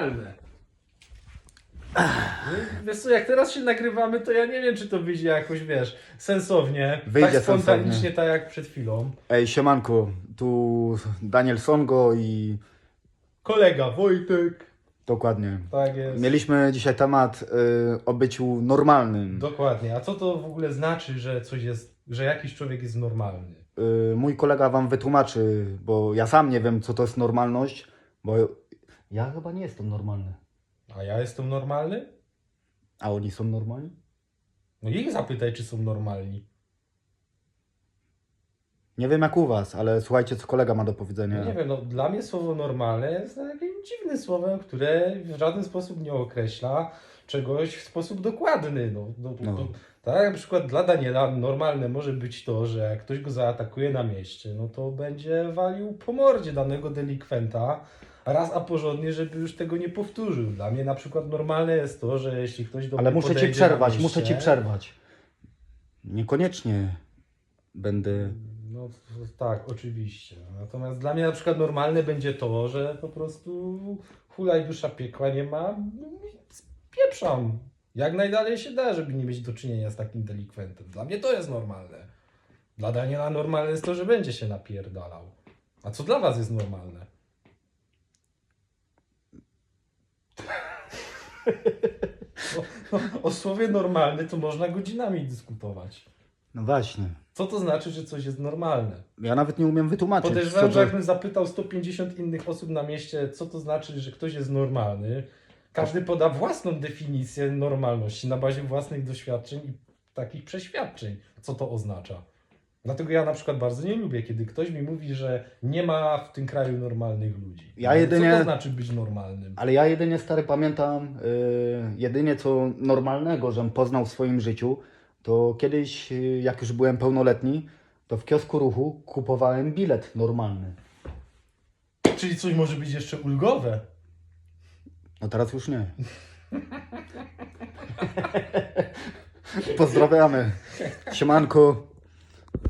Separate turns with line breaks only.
normalne. Wiesz co, jak teraz się nagrywamy, to ja nie wiem, czy to wyjdzie jakoś, wiesz, sensownie.
Wyjdzie
tak spontanicznie,
sensownie.
tak jak przed chwilą.
Ej, siemanko, tu Daniel Songo i
Kolega Wojtek.
dokładnie.
Tak jest.
Mieliśmy dzisiaj temat o byciu normalnym.
Dokładnie. A co to w ogóle znaczy, że coś jest, że jakiś człowiek jest normalny?
Mój kolega wam wytłumaczy, bo ja sam nie wiem, co to jest normalność, bo ja chyba nie jestem normalny.
A ja jestem normalny?
A oni są normalni?
No ich zapytaj, czy są normalni.
Nie wiem jak u was, ale słuchajcie, co kolega ma do powiedzenia.
Nie wiem, no dla mnie słowo normalne jest takim dziwnym słowem, które w żaden sposób nie określa czegoś w sposób dokładny.
No.
Tak, na przykład dla Daniela normalne może być to, że jak ktoś go zaatakuje na mieście, no to będzie walił po mordzie danego delikwenta raz a porządnie, żeby już tego nie powtórzył. Dla mnie na przykład normalne jest to, że jeśli ktoś do
Ale
mnie
muszę ci
podejdzie na
przerwać,
mieście,
muszę ci przerwać. Niekoniecznie będę...
No tak, oczywiście. Natomiast dla mnie na przykład normalne będzie to, że po prostu hulaj dusza piekła nie ma, spieprzam. Jak najdalej się da, żeby nie mieć do czynienia z takim delikwentem. Dla mnie to jest normalne. Dla Daniela normalne jest to, że będzie się napierdalał. A co dla was jest normalne? O słowie normalny to można godzinami dyskutować.
No właśnie.
Co to znaczy, że coś jest normalne?
Ja nawet nie umiem wytłumaczyć.
Podejrzewam,
co
że
to-
jakbym zapytał 150 innych osób na mieście, co to znaczy, że ktoś jest normalny, każdy poda własną definicję normalności na bazie własnych doświadczeń i takich przeświadczeń, co to oznacza. Dlatego ja na przykład bardzo nie lubię, kiedy ktoś mi mówi, że nie ma w tym kraju normalnych ludzi.
Ja
Ale
jedynie-
Co to znaczy być normalnym?
Ale ja jedynie, stary, pamiętam, jedynie co normalnego, żem poznał w swoim życiu, to kiedyś, jak już byłem pełnoletni, to w kiosku ruchu kupowałem bilet normalny.
Czyli coś może być jeszcze ulgowe.
No teraz już nie. Pozdrawiamy. Siemanko.